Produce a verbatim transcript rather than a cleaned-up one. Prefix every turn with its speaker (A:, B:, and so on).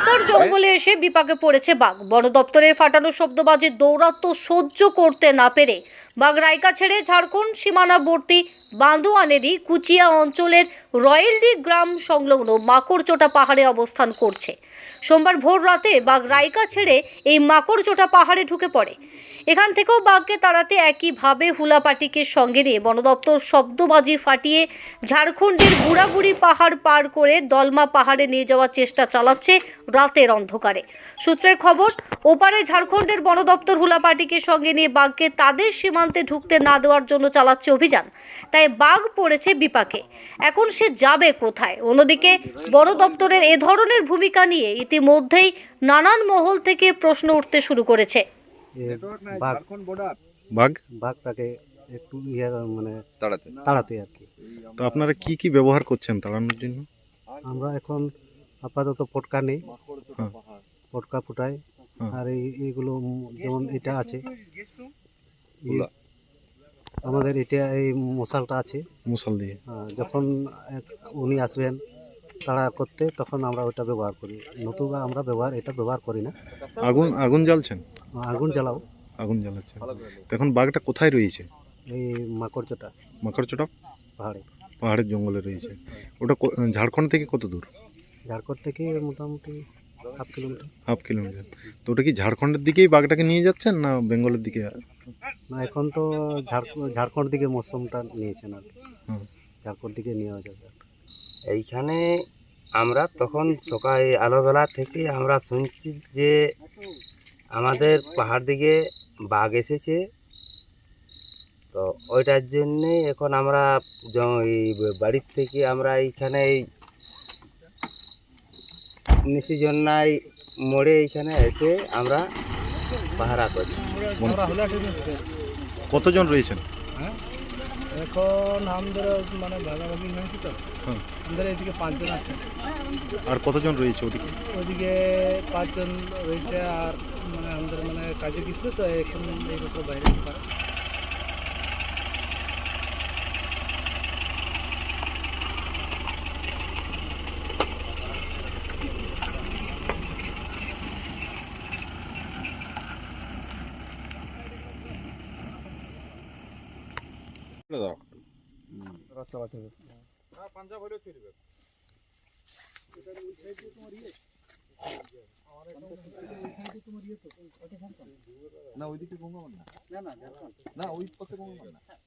A: শিকার জঙ্গলে এসে বিপাকে পড়েছে বাঘ। বন দপ্তরের ফাটানো শব্দবাজি দৌরাত্ম্য সহ্য করতে না পেরে বাঘ রাইকা ছেড়ে ঝাড়খণ্ড সীমানাবর্তী বান্দোয়ানেরই কুচিয়া অঞ্চলের রয়েলডি গ্রাম সংলগ্ন মাকড়চোটা পাহাড়ে অবস্থান করছে। সোমবার ভোর রাতে বাঘ রাইকা ছেড়ে এই মাকড়চোটা পাহাড়ে ঢুকে পড়ে। এখান থেকেও বাঘকে তাড়াতে একইভাবে হুলাপাটিকে সঙ্গে নিয়ে বন দপ্তর শব্দবাজি ফাটিয়ে ঝাড়খণ্ডের বুড়াবুড়ি পাহাড় পার করে দলমা পাহাড়ে নিয়ে যাওয়ার চেষ্টা চালাচ্ছে রাতের অন্ধকারে। সূত্রের খবর, ওপারে ঝাড়খণ্ডের বন দপ্তর হুলাপাটিকে সঙ্গে নিয়ে বাঘকে তাদের সীমান্তে ঢুকতে না দেওয়ার জন্য চালাচ্ছে অভিযান। তাই বাঘ পড়েছে বিপাকে। এখন সে যাবে কোথায়? অন্যদিকে বন দপ্তরের এ ধরনের ভূমিকা নিয়ে ইতিমধ্যেই নানান মহল থেকে প্রশ্ন উঠতে শুরু করেছে।
B: বাঘ
C: বাঘ
B: বাঘটাকে একটু ইয়ে মানে
C: তাড়াতে
B: তাড়াতে আর কি।
C: তো আপনারা কি কি ব্যবহার করছেন তাড়ানোর জন্য?
B: আমরা এখন আপাতত পটকা নেই,
C: হ্যাঁ।
B: পটকা ফুটাই।
C: হ্যাঁ।
B: আর এই এইগুলো উম যেমন এটা আছে,
C: হুলা।
B: আমাদের এটা এই মশালটা আছে।
C: মশাল দিয়ে
B: আহ, যখন এক- উনি আসবেন তাড়া করতে, তখন আমরা ওটা ব্যবহার করি। নতুবা আমরা ব্যবহার এটা ব্যবহার করি না।
C: আগুন আগুন জ্বালছেন?
B: আগুন জ্বালাও।
C: আগুন জ্বালাচ্ছেন। তো এখন বাঘটা কোথায় রয়েছে?
B: এই মাকড়চোটা
C: মাকড়চোটা
B: পাহাড়ে,
C: পাহাড়ের জঙ্গলে রয়েছে। ওটা কো- ঝাড়খণ্ড থেকে কত দূর?
B: ঝাড়খণ্ড থেকে মোটামুটি হাফ কিলোমিটার।
C: Half kilometre. তো ওটা কি ঝাড়খণ্ডের দিকেই বাঘটাকে নিয়ে যাচ্ছেন না বেঙ্গলের দিকে?
B: না, এখন তো ঝাড়খণ্ড ঝাড়খণ্ড দিকে মৌসুমটা নিয়েছেন আর কি।
C: হুম।
B: ঝাড়খণ্ড দিকে নেওয়া যাবে।
D: এইখানে আমরা তখন সকাল আলোবেলা থেকে আমরা শুনছি যে আমাদের পাহাড় দিকে বাঘ এসেছে। তো ওইটার জন্যে এখন আমরা জ- এই বাড়ির থেকে আমরা এইখানে এই নিশিজন্যায় মোড়ে এইখানে এসে আমরা পাহারা করি।
C: কতজন রয়েছেন?
E: এখন আমাদের মানে ভাগাভাগি হয়েছে তো,
C: হুম।
E: আমাদের এদিকে পাঁচজন আছে,
C: আর কতজন রয়েছে ওদিকে?
E: ওইদিকে পাঁচজন রয়েছে। আর মানে আমাদের মানে কাজে গেছিল তো, এখন এই বছর বাইরে যেতে পারে।
F: না ওইদিকে গঙ্গা না, না ওই পাশে গঙ্গা না।